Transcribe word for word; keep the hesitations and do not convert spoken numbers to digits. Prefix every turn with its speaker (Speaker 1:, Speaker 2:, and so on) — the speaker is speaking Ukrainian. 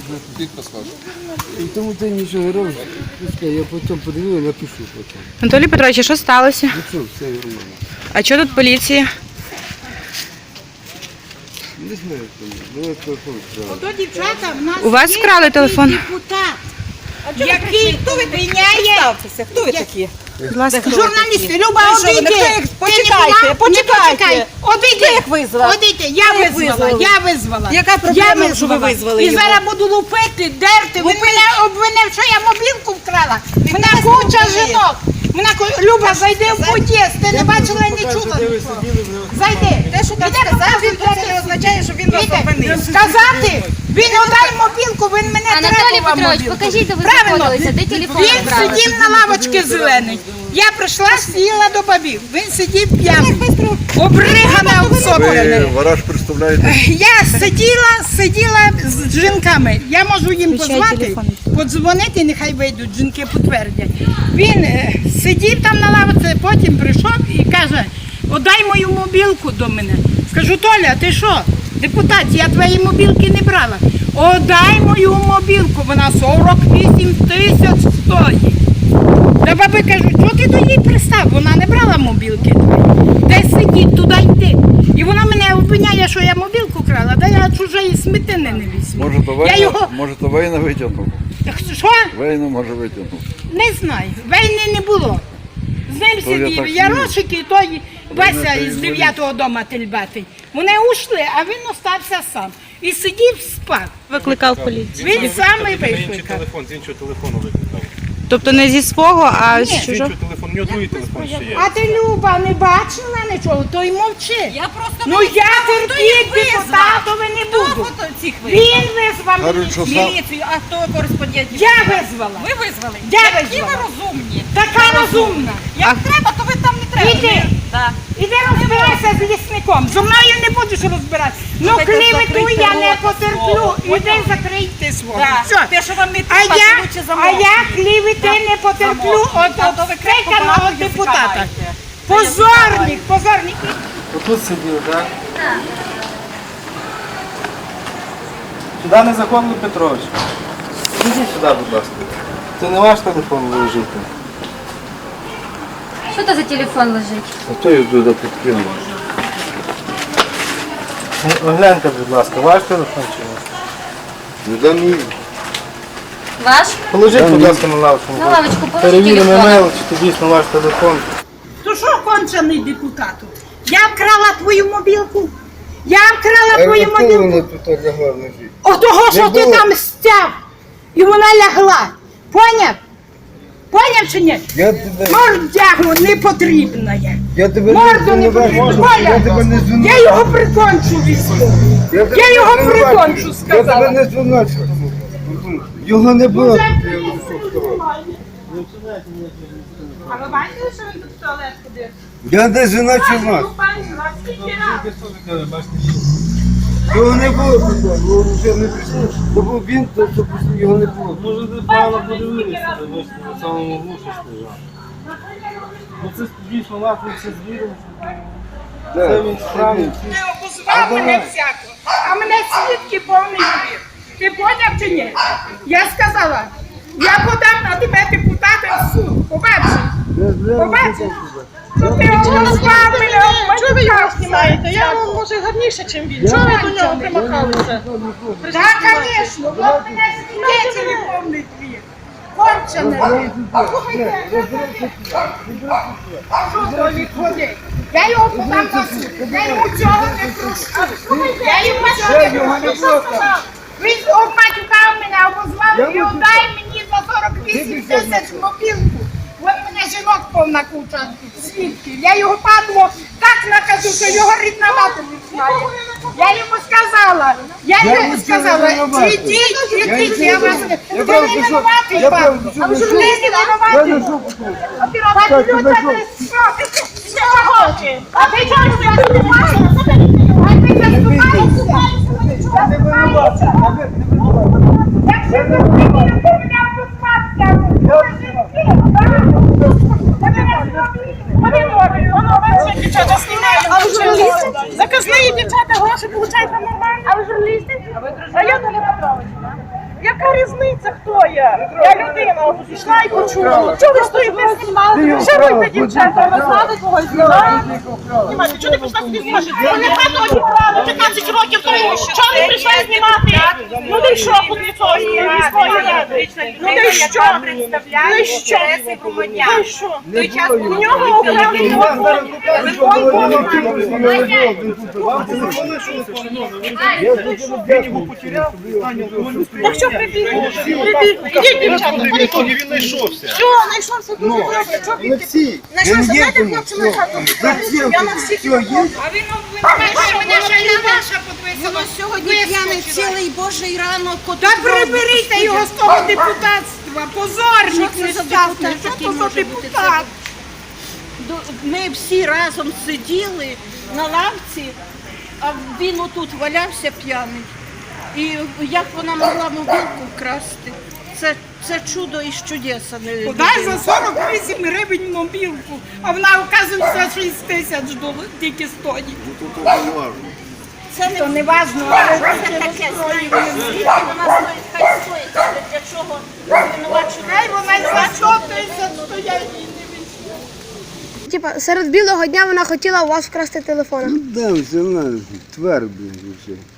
Speaker 1: Підпис ваш.
Speaker 2: І тому ти нічого не робиш. Пускай, я потім подивлю, напишу потім.
Speaker 3: Анатолій Петрович, а що сталося?
Speaker 2: Ну що, все нормально.
Speaker 3: А що тут поліція?
Speaker 2: Не знаю, хто. Давай телефон справа.
Speaker 4: Ото дівчата, в нас
Speaker 3: У вас
Speaker 4: є
Speaker 3: вкрали
Speaker 4: такий
Speaker 3: телефон?
Speaker 4: депутат, який виняє...
Speaker 5: Хто ви такі?
Speaker 3: Будь ласка.
Speaker 4: Журналісти, Люба,
Speaker 5: Ви що, ви
Speaker 4: одійди.
Speaker 5: не хто їх-
Speaker 4: Ти
Speaker 5: почекайте,
Speaker 4: не була?
Speaker 5: почекайте.
Speaker 4: Не почекай. Одійди.
Speaker 5: Хто їх визвав?
Speaker 4: Одійди, я
Speaker 5: Хто їх
Speaker 4: визвала,
Speaker 5: визвав?
Speaker 4: я визвала.
Speaker 5: Яка
Speaker 4: Я
Speaker 5: проблема, що ви визвали
Speaker 4: І
Speaker 5: його?
Speaker 4: зараз буду лупити, дерти. Він мене обвинив, що я мобілку вкрала. Вона куча жінок. Вона ко- Люба, зайди в під'їзд, ти не бачила і не чула. Зайди.
Speaker 5: Те, що там сказав, він це не означає, що він вас обвинив.
Speaker 4: Сказати, він одай мобілку, він мене
Speaker 6: Анатолій
Speaker 4: требував
Speaker 6: Петрович,
Speaker 4: мобілку.
Speaker 6: покажіть, де ви
Speaker 4: Правильно.
Speaker 6: знаходилися, де телефон
Speaker 4: Він
Speaker 6: брали.
Speaker 4: сидів на лавочці зеленій. Я прийшла, сіла до бабів. Він сидів п'яний. Обригана, обсоплений.
Speaker 1: Вараж представляєте?
Speaker 4: Я сиділа, сиділа з жінками. Я можу їм позвати, подзвонити, нехай вийдуть, жінки підтвердять. Він е, сидів там на лавці, потім прийшов і каже, отдай мою мобілку до мене. Скажу, Толя, ти що? Депутат, я твої мобілки не брала. Отдай мою мобілку, вона сорок вісім тисяч стоїть. Та баби кажуть, що ти до її пристав? Вона не брала мобілки твої. Де сидіть, туди йти. І вона мене обвиняє, що я мобілку крала, да я чужої сметини не візьму.
Speaker 1: Може, то
Speaker 4: Я
Speaker 1: Вейна,
Speaker 4: його...
Speaker 1: може, то Вейна витягнув?
Speaker 4: Що?
Speaker 1: Вейна може витягнув.
Speaker 4: Не знаю. Війни не було. З ним
Speaker 1: То я
Speaker 4: сидів
Speaker 1: так
Speaker 4: Ярошик і той Вася
Speaker 1: Війна,
Speaker 4: із
Speaker 1: то й
Speaker 4: дев'ятого дому тельбатий. Вони ушли, а він остався сам. І сидів, спав.
Speaker 3: Викликав поліцію.
Speaker 4: Він сам і
Speaker 7: Інший
Speaker 4: викликав.
Speaker 7: телефон, з іншого телефону викликав.
Speaker 3: Тобто не зі свого, а
Speaker 4: Ні.
Speaker 3: з
Speaker 7: З
Speaker 3: чужого?
Speaker 7: іншого телефону, у нього другий телефон ще є.
Speaker 4: А ти, Люба, не бачила нічого, то й мовчи.
Speaker 5: Я просто
Speaker 4: Ну я терпіть депутатові не буду.
Speaker 5: Хто цих визвав?
Speaker 4: Він визвав
Speaker 1: Кажуть, що сам...
Speaker 5: Міліцію, а хто кореспондент?
Speaker 4: Я визвала.
Speaker 5: Ви визвали?
Speaker 4: Я
Speaker 5: Які
Speaker 4: визвала.
Speaker 5: ви розумні.
Speaker 4: Така розумна.
Speaker 5: Як треба, то ви там не треба.
Speaker 4: Іди.
Speaker 5: Да.
Speaker 4: Іди розбирайся з лісником. Зо мною не будеш розбиратися. Ну
Speaker 5: Слухайте,
Speaker 4: клівету
Speaker 5: закрийте
Speaker 4: я не
Speaker 5: рота
Speaker 4: потерплю.
Speaker 5: свого.
Speaker 4: Іди закрийте свого.
Speaker 5: Да.
Speaker 4: Все.
Speaker 5: Те, що вам не
Speaker 4: А
Speaker 5: треба,
Speaker 4: я,
Speaker 5: це лучше
Speaker 4: а
Speaker 5: замовкніть.
Speaker 4: я клівети не потерплю от
Speaker 5: А то ви крепко
Speaker 4: стеканого
Speaker 5: багато язика
Speaker 4: депутата.
Speaker 5: маєте.
Speaker 4: Позорник, позорник.
Speaker 2: Отут сидів, так? Сюди незаконно, Петрович. Ідіть сюди, будь ласка. Це не ваш телефон лежить.
Speaker 6: Що це за телефон лежить?
Speaker 2: А то його туди підкинув. Огляньте, будь ласка, ваш телефон чи ваш?
Speaker 1: Не дам їй.
Speaker 6: Ваш?
Speaker 2: Положіть, будь ласка, на лавочку.
Speaker 6: На лавочку положи
Speaker 2: Перевіримо
Speaker 6: телефон.
Speaker 2: емейл, чи це дійсно ваш телефон.
Speaker 4: То що кончений депутату? Я вкрала твою мобілку. Я вкрала твою мобілку.
Speaker 1: тут лягла в ножі?
Speaker 4: Отого, що
Speaker 1: Не
Speaker 4: ти
Speaker 1: було.
Speaker 4: там стяв. І вона лягла. Поняв? Поняв чи ні?
Speaker 1: Я тебе...
Speaker 4: Мордягу не потрібна я.
Speaker 1: Я тебе
Speaker 4: Морду не потрібна. Поняв? Я його прикончу військову. Я його прикончу, сказала.
Speaker 1: не звинувачую. Його не було.
Speaker 4: А ви бачите, що він тут в туалет ходив?
Speaker 1: Я не звинувачую вас. Його не було, бо вже не прийшло. Бо був він, то то просто його не було.
Speaker 2: Може, ви погано подивилися, ви ж на самому вушу стояв. Ну це дійсно нахуй це звіром. Це він справді.
Speaker 4: Ти обозвав мене всяко, а мене свідки повний двір. Ти поняв чи ні? Я сказала, я подам на тебе депутата в суд. Побачиш? Побачиш? Що ти обозвав мене,
Speaker 5: Чого ви його знімаєте?
Speaker 4: обманював?
Speaker 5: Я вам, може, гарніше, ніж він. Чого ви до нього примахалися?
Speaker 4: Так, звісно, бо в мене свідетелі повний двір. Кончене. Слухайте, що то відходить? Я його подам на суд. Я йому цього не прошу. Я йому цього не прошу. Він обматюкав мене, обозвав і дай мені за сорок вісім тисяч мобілку. От мене жінок повна куча свідків. Я його падло так накажу, що його рідна мати не знає. Я йому сказала, я йому сказала, ідіть, ідіть, я вас не... Ви не винуватий, пан. А ви ж ви не винуватий. А ти робиш люди, ти що? Ти чого? А ти чого не винуватий? А ти заступаєшся? Я не винуватий. Якщо ти не винуватий, то мене опускався. Заказные дівчата гроші получають нормально. А ви журналісти? А ви Районний Петрович, так?
Speaker 5: Яка різниця, хто я? Я людина, от пішла і почула. Чого ви стоїте знімали? Що ви та дівчата, ви знали когось знімаєте? Знімайте, чого не пішла сюди знімати? Вони хату обікрали, п'ятнадцять років тому. Чого не прийшла знімати? Ну де що тут від цього міської ради? Ну де що? Ну де що? Ну що?
Speaker 1: Не було
Speaker 5: У
Speaker 1: його.
Speaker 5: нього окремий телефон.
Speaker 1: Вам телефони, що
Speaker 7: Він його потеряв, Таня алкоголю
Speaker 5: Так що прибігли? Ідіть, дівчата,
Speaker 7: в ітогі він знайшовся.
Speaker 5: що, знайшовся дуже добре, що
Speaker 1: не всі.
Speaker 5: знайшовся,
Speaker 1: Я не
Speaker 5: знаєте,
Speaker 1: їду.
Speaker 5: хлопці, ми хату
Speaker 1: Зачем?
Speaker 5: я на всіх
Speaker 1: Все, є?
Speaker 4: А він обвинувачує мене, що я наша підписала.
Speaker 8: Сьогодні п'яний цілий божий ранок.
Speaker 4: Та приберіть його з того депутатства, позорник
Speaker 8: Що це за
Speaker 4: нещасний,
Speaker 8: депутат?
Speaker 4: що
Speaker 8: Який
Speaker 4: то за
Speaker 8: може бути
Speaker 4: депутат?
Speaker 8: Ми всі разом сиділи на лавці, а він отут валявся п'яний. І як вона могла мобілку вкрасти? Це, це чудо із чудеса. не
Speaker 4: Дай
Speaker 8: людина.
Speaker 4: за сорок вісім гривень мобілку, а вона, оказується, шість тисяч доларів тільки стоїть.
Speaker 8: Це не,
Speaker 4: То не важно, але
Speaker 8: це таке, знаєте, звідки вона стоїть, хай стоїть, але для чого звинувачувати?
Speaker 4: хай вона й за сто тисяч стоять.
Speaker 9: Типа, серед білого дня вона хотіла у вас вкрасти телефон.
Speaker 1: Да, все, вона твер, блін, і все.